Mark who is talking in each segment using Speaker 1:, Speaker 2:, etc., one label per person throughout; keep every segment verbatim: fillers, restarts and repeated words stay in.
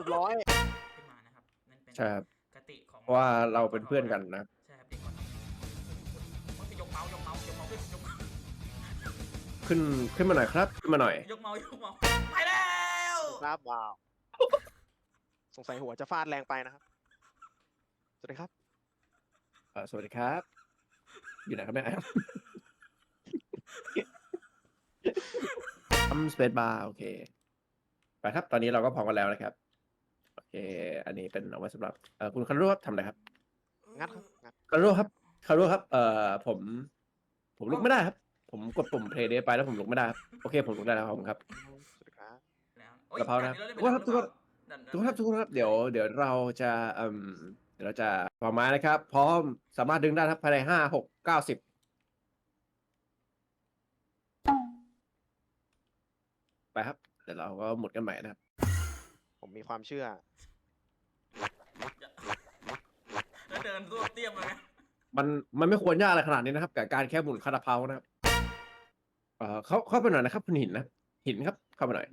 Speaker 1: รียบร้อย
Speaker 2: ขึ้นมานะครับนั่นเป็น
Speaker 3: ใช่ครับ
Speaker 2: กติของ
Speaker 3: เพราะว่าเราเป็นเพื่อนกันนะ
Speaker 2: ใช่ครับเด็กก่อนมันจะยกเมาส์ยกเมาส์ยกเมาส์ขึ้นยกเมาส์
Speaker 3: ขึ้นขึ้นมาหน่อยครับขึ้นมาหน่อย
Speaker 2: ยกเมาส์ยกเมาส์ไปแล้ว
Speaker 1: ครับว้าวสงสัยหัวจะฟาดแรงไปนะครับสวัสดีครับ
Speaker 3: เอ่อสวัสดีครับ อยู่ไหนครับเนี่ยทำสเปซบาร์โอเคไปครับตอนนี้เราก็พร้อมกันแล้วนะครับโอเค อันนี้เป็นเอาไว้สำหรับเอ่อคุณคารุครับทำอะไรครับ
Speaker 1: งัดครับงัด
Speaker 3: คารุครับคารุครับเอ่อผม ผมลุกไม่ได้ครับ ผมกดปุ่มเพลย์เดไปแล้วผมลุกไม่ได้ครับโอเคผมลุกได้แล้วครับผมครับ
Speaker 1: สวัสดีครับ
Speaker 2: แล้ว
Speaker 3: กะเพรานะ
Speaker 2: ด่
Speaker 3: ทุกคนครับทุกคน
Speaker 2: ด่า
Speaker 3: ทุกคนครับทุกคนครับเดี๋ยวเดี๋ยวเราจะเอ่มเดี๋ยวเราจะประมาณนะครับ พร้อมสามารถดึงได้ครับภายในห้าหกเก้าสิบไปครับเดี๋ยวเราก็หมดกันใหม่นะครับ
Speaker 1: ผมมีความเชื่อ
Speaker 2: แล้วเดินตัวเตี้ยมเลยไง
Speaker 3: มันมันไม่ควรยากอะไรขนาดนี้นะครับกับการแค่หมุนคาราเพานะครับเอ่อเข้าเข้าไปหน่อยนะครับคุณหินนะหินครับเข้ามาหน่อย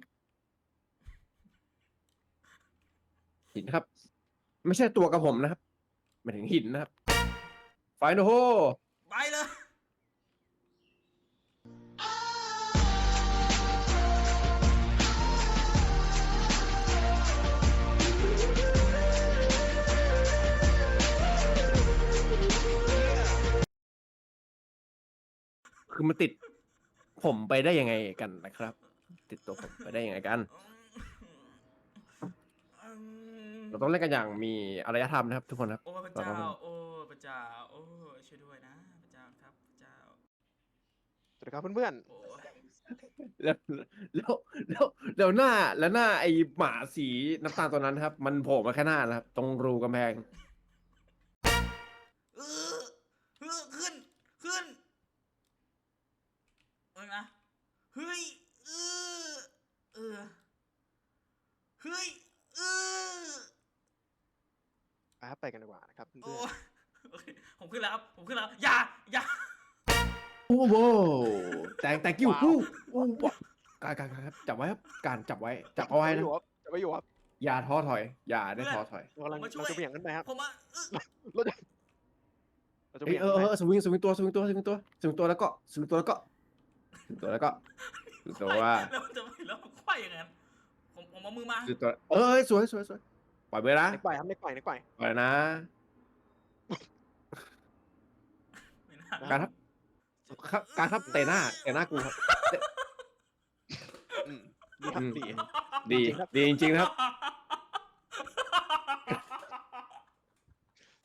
Speaker 3: หินครับ ไม่ใช่ตัวกับผมนะครับหมายถึงหินนะครับไฟโนโฮ
Speaker 2: ไปเลย
Speaker 3: คือมันติด ผมไปได้ยังไงกันนะครับ ติดตัวผมไปได้ยังไงกัน เราต้องเล่นกันอย่างมีอารยธรรมนะครับ ทุกคนครับ
Speaker 2: โอ้พระเจ้าโอ้พระเจ้าโอ้ช่วยด้วยนะพระเจ้าครับพระเจ้า
Speaker 1: สวัสดีครับเพื่อน
Speaker 2: โอ้
Speaker 3: แล้วแล้วแล้วแล้วหน้าแล้วหน้าไอหมาสีน้ำตาลตัวนั้นครับ มันโผล่มาแค่หน้านะครับ ตรงรูกำแพง
Speaker 2: เออเออขึ้นขึ้นเออนะเฮ้ยเออเออเฮ้ยเออ
Speaker 1: ๆไปครับไปกันดีกว่านะครับ
Speaker 2: โอ้
Speaker 1: เพื่อน
Speaker 2: โอเคผมขึ้นแล้วครับผมขึ้นแล้วอย่าอย่า
Speaker 3: โอ้โหแตงแตงกิ้วอู้อู้การการการครับจับไว้ครับการจับไว้จับ
Speaker 1: ๆ
Speaker 3: เอาไว้
Speaker 1: จะ
Speaker 3: นะ
Speaker 1: ไปอยู่ครับจะไปอยู่ครับ
Speaker 3: อย่าท้อถอย อย่าได้ท้อถอย
Speaker 1: เรากำลังเราจะเบี่ยงขึ้นไปครับ
Speaker 2: ผมมาเออ
Speaker 1: เราจะเราจะ
Speaker 3: เอ้ย
Speaker 1: เบี่ยง
Speaker 3: เอ
Speaker 1: ขึ้
Speaker 3: อน
Speaker 1: ไป
Speaker 3: เออสวิงสวิงตัวสวิงตัวสวิงตัวสวิงตัวแล้วก็สวิงตัวแล้วก็สวิงตัวแล้วก็สวิงตัวว่า
Speaker 2: แล้วมันจะไม่แล้วมันควายอย่างนั้นผมผมเอามือมา
Speaker 3: สวิงตัวเอ้ยสวยสวยสวยปล่อยไปนะ
Speaker 1: เล็กปล่อยครับเล็กปล่อยเล็กปล่อย
Speaker 3: ปล่อยนะ
Speaker 2: ไม่น่า
Speaker 3: การครับครับการครับเตะหน้าเตะหน้ากูครับ
Speaker 1: อืมดีครับ
Speaker 3: อืม
Speaker 1: ดี
Speaker 3: ดี
Speaker 1: จริงครับ
Speaker 3: ดีจริงๆนะครับ